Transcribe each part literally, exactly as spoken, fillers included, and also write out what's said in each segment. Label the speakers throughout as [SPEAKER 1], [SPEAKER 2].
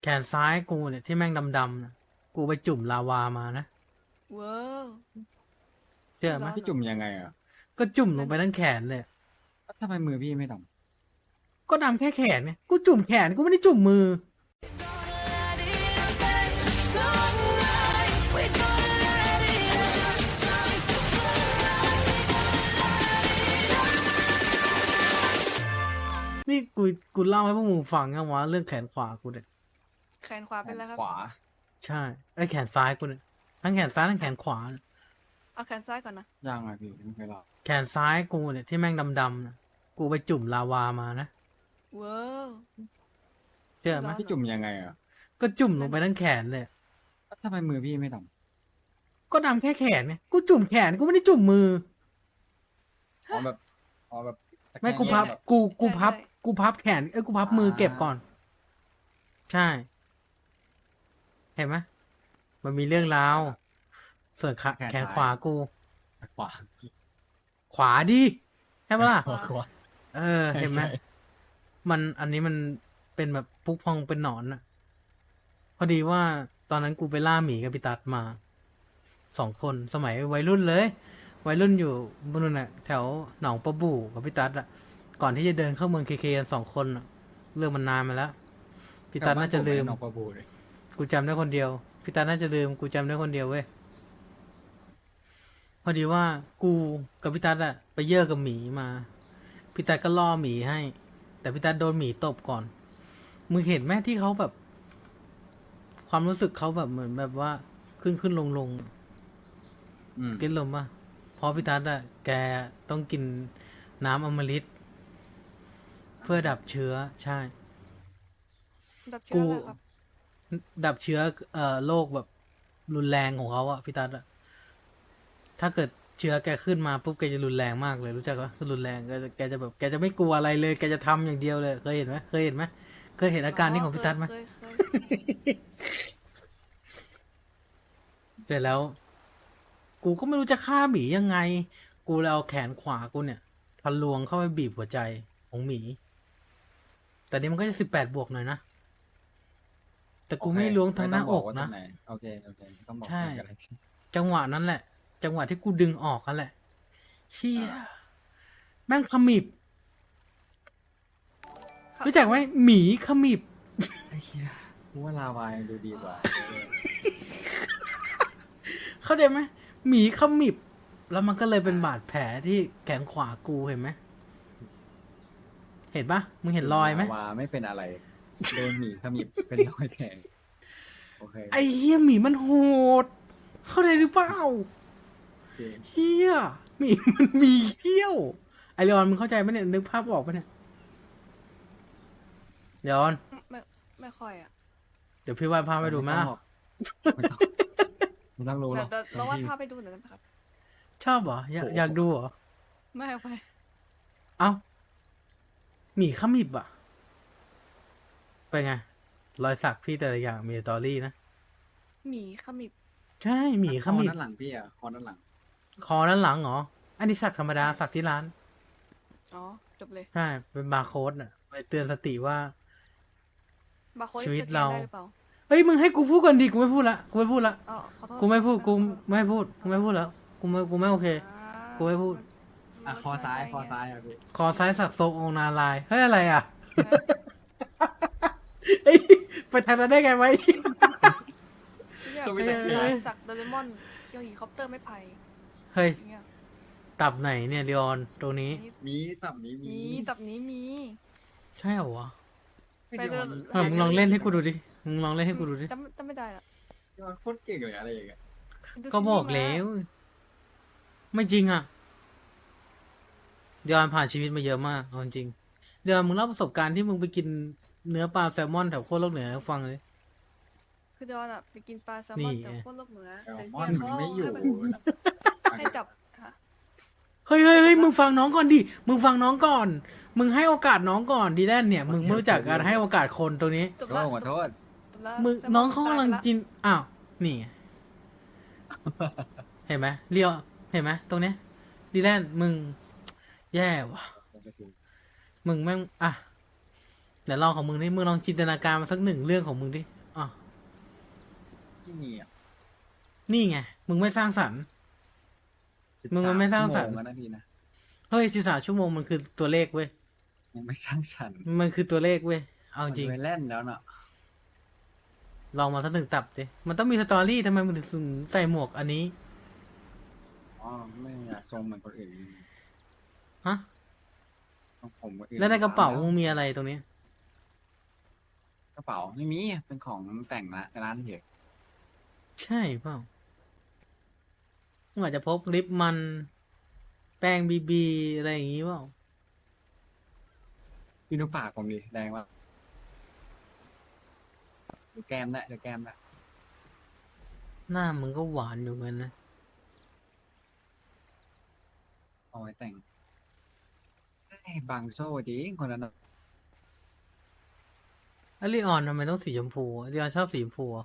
[SPEAKER 1] แขนซ้ายกูเนี่ยที่แม่งดำๆนะกูไปจุ่มลาวามานะ
[SPEAKER 2] ว้าว
[SPEAKER 1] เชื่อไหม
[SPEAKER 2] ร้อนเหรอ
[SPEAKER 3] พี่จุ่มยังไงอ่ะ
[SPEAKER 1] ก็จุ่มลง
[SPEAKER 2] นั่น
[SPEAKER 1] ไปทั้งแขนเลย
[SPEAKER 3] แล้วทำไมมือพี่ไม่ด
[SPEAKER 1] ก็ดำแค่แขนไงกูจุ่มแขนกูไม่ได้จุ่มมือนี่กูกูเล่าให้พวกมึงฟังยังวะเรื่องแขนขวากูเนี่ย
[SPEAKER 2] แขนขวา
[SPEAKER 3] ำแข
[SPEAKER 2] เป็น
[SPEAKER 3] น
[SPEAKER 2] ไรครับ
[SPEAKER 3] ขวา
[SPEAKER 1] ใช่ไอ้แขนซ้ายกูเนี่ยทั้งแขนซ้ายทั้งแขนขวาเนี่ย
[SPEAKER 2] เอาแขนซ้ายก่อนนะ
[SPEAKER 3] ยังไงพี่ไม่เคยเล่า
[SPEAKER 1] แขนซ้ายกูเนี่ยที่แม่งดำๆนะกูไปจุ่มลาวามานะ
[SPEAKER 2] ว้าว
[SPEAKER 1] เชื่อไหม
[SPEAKER 2] ร้อน
[SPEAKER 3] พี่จุ่มยังไงอ่ะ
[SPEAKER 1] ก็จุ่มลงไปทั้งแขนเลย
[SPEAKER 3] แล้วทำไมมือพี่ไม่ด
[SPEAKER 1] ก็ดำแค่แขนไงกูจุ่มแขนกูไม่ได้จุ่มมือ
[SPEAKER 3] ำอ๋อแบบอ๋อแบบตะแคง
[SPEAKER 1] ไม่กูพับ
[SPEAKER 3] แบบ
[SPEAKER 1] กูกูพับ กูพับแขนเอ้ยกูพับมือเก็บก่อน ใช่ เห็นไหมมันมีเรื่องราวส่วนขาแขนขวากู
[SPEAKER 3] ขวา
[SPEAKER 1] ขวาดิใช่ปะล่ะ
[SPEAKER 3] ขวาขวา
[SPEAKER 1] เออ เห็นไหม
[SPEAKER 3] ใช่
[SPEAKER 1] มันอันนี้มันเป็นแบบพุกพองเป็นหนอนอะพอดีว่าตอนนั้นกูไปล่าหมีกับพี่ตัดมาสองคนสมัยวัยรุ่นเลย วัยรุ่นอยู่บนนู้นน่ะแถวหนองประบู่กับพี่ตัดอะก่อนที่จะเดินเข้าเมืองเคเคกันสองคนอะเรื่องมันนานมาแล้วพี่ตัดน่าจะลืม
[SPEAKER 3] แถวบ้นผไอ้หนองประบูเลย
[SPEAKER 1] กูจำได้คนเดียวพี่ตาน่าจะลืมกูจำได้คนเดียวเว้ยพอดีว่ากูกับพี่ตัดอะไปเยอะกับหมีมาพี่ตัดก็ล่อหมีให้ แต่พี่ตัดโดนหมีตบก่อนมึงเห็นไหมที่เขาแบบ ความรู้สึกเขาแบบเหมือนแบบว่า ขึ้นขึ้นลงลง
[SPEAKER 3] อืม
[SPEAKER 1] กินลมป่ะเพราะพี่ตัดอะแกต้องกินน้ำอมฤตเพื่อดับเชื้อใช่
[SPEAKER 2] ดับ
[SPEAKER 1] กู
[SPEAKER 2] เชื้ออะไรครับ
[SPEAKER 1] ดับเชื้อเอ่อโรคแบบรุนแรงของเขาอะพี่ตัดอะถ้าเกิดเชื้อแกขึ้นมาปุ๊บแกจะรุนแรงมากเลยรู้จักปะคือรุนแรงแกจะแกจะแบบแกจะไม่กลัวอะไรเลยแกจะทำอย่างเดียวเลยเคยเห็นไหมเคยเห็นไหมเคยเห็นอาการนี้ของพี่ตัดไหม
[SPEAKER 2] เคยเคย
[SPEAKER 1] เสร็จแล้ว กูก็ไม่รู้จะฆ่าหมียังไง กูเลยเอาแขนขวากูเนี่ยทะลวงเข้าไปบีบหัวใจของหมี แต่นี่มันก็จะสิบแปดบวกหน่อยนะแต่กูไม่ล้วงทางหน้าอก
[SPEAKER 3] ไม่ต้งบว่
[SPEAKER 1] นะ
[SPEAKER 3] ตรงไหโอเคโอเคไม่ต้องบอก
[SPEAKER 1] ใช่
[SPEAKER 3] กันเลย
[SPEAKER 1] จังหวะนั้นแหละ จังหวะที่กูดึงออกกันแหละ เชี่ยแม่งขมิบ
[SPEAKER 2] ครับ
[SPEAKER 1] รู้จักไหมหมีขมิบ
[SPEAKER 3] ไอ้เหี้ยกูว่าลาวายังดูดีกว่า
[SPEAKER 1] เข้าใจไหมหมีขมิบ แล้วมันก็เลยเป็นบาดแผลที่แขนขวากูเห็นไหมเห็นปะมึงเห็นรอยไหม
[SPEAKER 3] ลาวาไม่เป็นอะไรโดนหมีขมิบเป็นรอยแทงโอเค
[SPEAKER 1] ไอ้เฮียหมีมันโหด เข้าใจหรือเปล่า
[SPEAKER 3] โอเค
[SPEAKER 1] เฮียหมีมันมีเขี้ยว ไอเลออนมึงเข้าใจไหมเนี่ยนึกภาพออกปะเนี่ยเลออน
[SPEAKER 2] ไม่ไม่ค่อยอ่ะ
[SPEAKER 1] เดี๋ยวพี่วาดภาพไปดูไหมล่ะ
[SPEAKER 3] ไม่ต้องไม่ต้องรู้หร
[SPEAKER 2] แต่
[SPEAKER 3] อก
[SPEAKER 2] แต่เราวาดภาพไปดูหน่อยได้ไหมครับ
[SPEAKER 1] ชอบเหรออยากอยากดูเหรอ
[SPEAKER 2] ไม่เอาไป
[SPEAKER 1] เอ้าหมีขมิบอ่ะไปนไง รอยสักพี่แต่ละอย่างมีสตอรี่นะ
[SPEAKER 2] หมีขมิบ
[SPEAKER 1] ใช่หมีขมิ
[SPEAKER 3] ค
[SPEAKER 1] บ
[SPEAKER 3] อด้านหลังพี่อ่ะคอด้านหลัง
[SPEAKER 1] คอด้านหลังเหรอ อันนี้สักธรรมดาสักที่ร้าน
[SPEAKER 2] อ๋อจบเลย
[SPEAKER 1] ใช่ เป็นบาร์โค้ดอ่ะไปเตือนสติว่า
[SPEAKER 2] บาร์โค้ด
[SPEAKER 1] ชีวิต
[SPEAKER 2] สแกน
[SPEAKER 1] เรา
[SPEAKER 2] ได้หรือเปล่า
[SPEAKER 1] เฮ้ยมึงให้กูพูดก่อนดิกูไม่พูดละกูไม่พูดละ
[SPEAKER 2] อ๋อขอโทษ
[SPEAKER 1] กูไม่พูด
[SPEAKER 2] ครับ
[SPEAKER 1] กูไม่พูดกูไม่พูดแล้วกูไม่กูไม่โอเค
[SPEAKER 2] อ่า
[SPEAKER 1] กูไม่พูด
[SPEAKER 3] อ่ะคอซ้ายคอซ้ายอ่ะพี่
[SPEAKER 1] คอซ้ายสักทรงองค์นาลายณ์เฮ้ยอะไรอ่ะ
[SPEAKER 2] เออ
[SPEAKER 1] เฮ้ยไปทางนั้นได้ไงวะ
[SPEAKER 2] อยาก
[SPEAKER 3] ก็ไม่
[SPEAKER 2] เป็
[SPEAKER 3] ได้
[SPEAKER 2] น
[SPEAKER 3] เชื่อ
[SPEAKER 2] สักโดเรมอนเคียวฮีคอปเตอร์ไม่ไผ่
[SPEAKER 1] เฮ้ย
[SPEAKER 2] อย่างเงี้ย
[SPEAKER 1] ตับไหนเนี่ยเลออนตรงนี้
[SPEAKER 3] มีตับนี้มี
[SPEAKER 2] มีตับนี้มี
[SPEAKER 1] ใช่เหรอวะ
[SPEAKER 3] ไม่
[SPEAKER 2] ไป
[SPEAKER 3] เดี๋ยว
[SPEAKER 2] เดิน
[SPEAKER 1] เออมึงลองเล่นให้กูดูดิมึงลองเล่นให้กูดูดิ
[SPEAKER 2] จำจำไม่ได้ละ
[SPEAKER 3] เดี๋ยวโคตรเก่งเลยอะไรอย่างเงี้ย
[SPEAKER 2] ดู
[SPEAKER 1] ก็บอก
[SPEAKER 2] ซีรีส์มา
[SPEAKER 1] แล้ว ไม่จริงอ่ะเดี๋ยวอันผ่านชีวิตมาเยอะมากเอาจริงเดี๋ยวมึงเล่าประสบการณ์ที่มึงไปกินเนื้อปลาแซลมอนแถวโคตรโลกเหนือให้ฟังเลย
[SPEAKER 2] คือดอนอะไปกินปลาแซล
[SPEAKER 1] นี่
[SPEAKER 2] มอน
[SPEAKER 1] ไง
[SPEAKER 2] จากโคตรโลกเหนือ
[SPEAKER 3] แซล
[SPEAKER 2] แต่
[SPEAKER 3] มอน
[SPEAKER 2] เนี่ย
[SPEAKER 3] มัน
[SPEAKER 2] เขา
[SPEAKER 3] ไม่อยู่
[SPEAKER 2] ให้ให้จับค่ะ
[SPEAKER 1] เฮ้ยเฮ้ยเฮ้ยมึงฟังน้องก่อนดิ มึงฟังน้องก่อน มึงให้โอกาสน้องก่อนดีแลนเนี่ย มึงไม่รู้จักการให้โอกาสคนตรงนี้
[SPEAKER 2] จบ
[SPEAKER 3] ก็
[SPEAKER 2] ละ
[SPEAKER 3] ขอโทษ
[SPEAKER 2] จบละ
[SPEAKER 1] มึง
[SPEAKER 2] แซลม
[SPEAKER 1] น้องเขากำลัง
[SPEAKER 2] ตยไปะ
[SPEAKER 1] กิน อ้าว นี่ไงเห็นไหมเรียว เห็นไหมตรงเนี้ยดีแลนมึง แย่ว่ะ มึงแม่ง อ่ะเดี๋ยวลองของมึงดิมึงลองจินตนาการมาสักหนึ่งเรื่องของมึงดิอ๋อ
[SPEAKER 3] ที่มีอ่ะ
[SPEAKER 1] นี่ไง มึงไม่สร้างสรรค์ มึงมันไม่สร้างสรรค์
[SPEAKER 3] ชั่วโมแล้วนะพี่นะ
[SPEAKER 1] เฮ้ยสิบสามชั่วโมงมันคือตัวเลขเว้ย
[SPEAKER 3] ยังไม่สร้างสรรค์
[SPEAKER 1] มันคือตัวเลขเว้ย เอาจ
[SPEAKER 3] มัน
[SPEAKER 1] ริง
[SPEAKER 3] ไปเล่นแล้วเนาะ
[SPEAKER 1] ลองมาสักหนึ่งตับดิ มันต้องมีสตอรี่ทำไมมึงถึงใส่หมวกอันนี้
[SPEAKER 3] อ๋อไม่อยากทรงเหมือนคนอื่น
[SPEAKER 1] ฮะ
[SPEAKER 3] ทรงผมคนอื่น
[SPEAKER 1] แล้วในกระเป๋า
[SPEAKER 3] แล้
[SPEAKER 1] มึงมีอะไรตรงนี้
[SPEAKER 3] กระเป๋าไม่มีเป็นของแต่งนะในร้านเฉย
[SPEAKER 1] ใช่เปล่ามึงอาจจะพกลิปมัน แป้งบีบีอะไรอย่างงี้เปล่า
[SPEAKER 3] พี่ดูปากผมดิแดงว่าดูแก้มได้ดูแก้มได้
[SPEAKER 1] หน้ามึงก็หวานอยู่เหมือนนะ
[SPEAKER 3] เอาไว้แต่งไอ้บางโซ่จริงคนนั้นน่ะ
[SPEAKER 1] อลิออนทำไมต้องสีชมพูอลิออนชอบสีชมพูเหรอ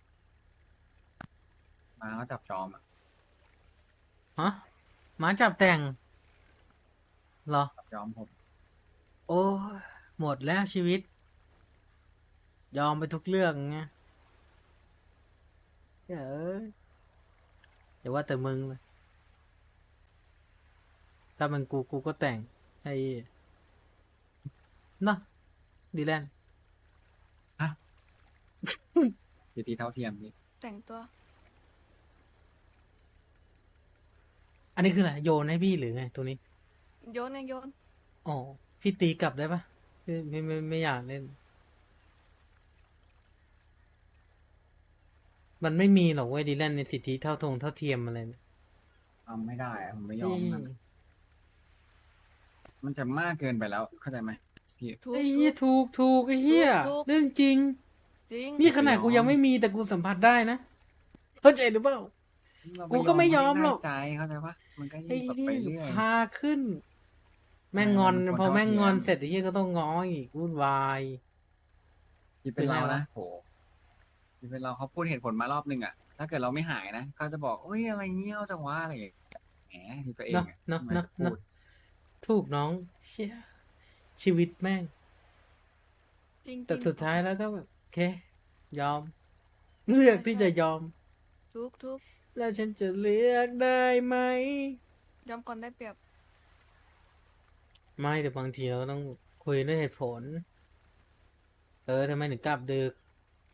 [SPEAKER 3] มาเขาจับจอมอ่ะ
[SPEAKER 1] ฮะหมาจับแต่งเหรอ
[SPEAKER 3] จับจอมผม
[SPEAKER 1] โอ้ยหมดแล้วชีวิต ยอมไปทุกเรื่องไงเอ้ยอย่าว่าแต่มึงเลย ถ้ามันกูกูก็แต่งไอ้เนาะดีแลนด์
[SPEAKER 3] สิทธิเท่าเทียมนี่
[SPEAKER 2] แต่งตัว
[SPEAKER 1] อันนี้คืออะไรโยนให้พี่หรือไงตัวนี้
[SPEAKER 2] โยนไงโยน
[SPEAKER 1] อ๋อ พี่ตีกลับได้ปะไม่ไม่ไม่ไม่อยากเล่น มันไม่มีหรอกเว้ยดีแลนด์ในสิทธิเท่าทงเท่าเทียมอะไรเนี่ย
[SPEAKER 3] ทำไม่ได้อะผมไม่ยอมมัน
[SPEAKER 1] เอ้ย
[SPEAKER 3] มันจะมากเกินไปแล้วเข้าใจไหมพี่
[SPEAKER 2] ถูก
[SPEAKER 1] ไอ้
[SPEAKER 2] ถู
[SPEAKER 1] เหี้ย
[SPEAKER 2] ก
[SPEAKER 1] ถูกถูกไอ้เหี้ย
[SPEAKER 2] ถูก
[SPEAKER 1] เรื่องจริง
[SPEAKER 2] จริง
[SPEAKER 1] นี่ขนาดกู
[SPEAKER 3] ไม่ยอม
[SPEAKER 1] ยังไม่มีแต่กูสัมผัสได้นะ เข้าใจหรือเปล่า
[SPEAKER 3] เรา
[SPEAKER 1] กูก็ไม่ยอมหรอก
[SPEAKER 3] ได้ใจเข้าใจปะมันก็
[SPEAKER 1] ไอ้
[SPEAKER 3] ยิ่งแบบ
[SPEAKER 1] นี่
[SPEAKER 3] ไปเรื่อย
[SPEAKER 1] พาขึ้น แม่ง
[SPEAKER 3] เออง
[SPEAKER 1] อน
[SPEAKER 3] มันควร
[SPEAKER 1] พอแม่งงอน
[SPEAKER 3] เท่าเทียม
[SPEAKER 1] เสร็จไอ้เหี้ยก็ต้องง้ออีกวุ่นวาย
[SPEAKER 3] ที่เป็น
[SPEAKER 1] เป็นไง
[SPEAKER 3] เรา
[SPEAKER 1] วะ
[SPEAKER 3] นะโหที่เป็นเราเขาพูดเหตุผลมารอบนึงอ่ะ ถ้าเกิดเราไม่หายนะเขาจะบอกเอ้ยอะไรเงี้ยจังวะอะไรอย่างเงี้ยแหมที่ตัวเอง
[SPEAKER 1] เนาะ
[SPEAKER 3] อะ
[SPEAKER 1] เนาะ
[SPEAKER 3] ทำไม
[SPEAKER 1] เนาะ
[SPEAKER 3] จะพู
[SPEAKER 1] เนาะ
[SPEAKER 3] ด
[SPEAKER 1] ถูกน้อง เชี่ยชีวิตแม่ง
[SPEAKER 2] จริง
[SPEAKER 1] แต่
[SPEAKER 2] จริง
[SPEAKER 1] สุดท้ายแล้วก็แบบโอเค ยอม เลือกที่จะยอม
[SPEAKER 2] ทุกทุก
[SPEAKER 1] แล้วฉันจะเลือกได้ไหม
[SPEAKER 2] ยอมก่อนได้เปรียบ
[SPEAKER 1] ไม่แต่บางทีเราต้องคุยด้วยเหตุผล เออทำไมถึงกลับดึก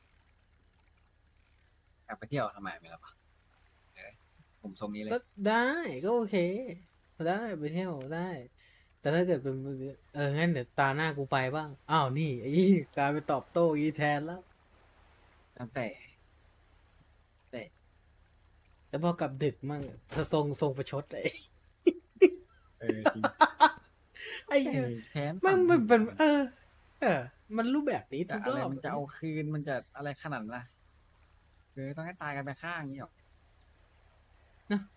[SPEAKER 3] กลับไปเที่ยวทำไมไม่ล่ะปะเออผมทรงนี้เลย
[SPEAKER 1] ก็ได้ก็โอเค ได้ไปเที่ยวได้ แต่ถ้าเกิดเป็นเอองั้นเดี๋ยวตาหน้ากูไปบ้าง อ้าวนี่ไอ้ยี่กลายไปนตอบโต้อีแทนแล้ว
[SPEAKER 3] แล้วแต่
[SPEAKER 1] แต่พอกลับดึกมั่งเธอทรงทรงประชดไอ้
[SPEAKER 3] เออจริง
[SPEAKER 1] ไอ้เหี้ย
[SPEAKER 3] เออแค้น
[SPEAKER 1] มัน
[SPEAKER 3] ฝั
[SPEAKER 1] มันเป็นเออ เออ มันรูปแบบนี้
[SPEAKER 3] แต่
[SPEAKER 1] ทุก
[SPEAKER 3] อะ
[SPEAKER 1] ร
[SPEAKER 3] ไร
[SPEAKER 1] อบ
[SPEAKER 3] มันจะเอาคืนมันจะอะไรขนาดนั้นล่ะคือต้องให้ตายกันไปข้างอย่างนี้หรอ
[SPEAKER 1] เนอะ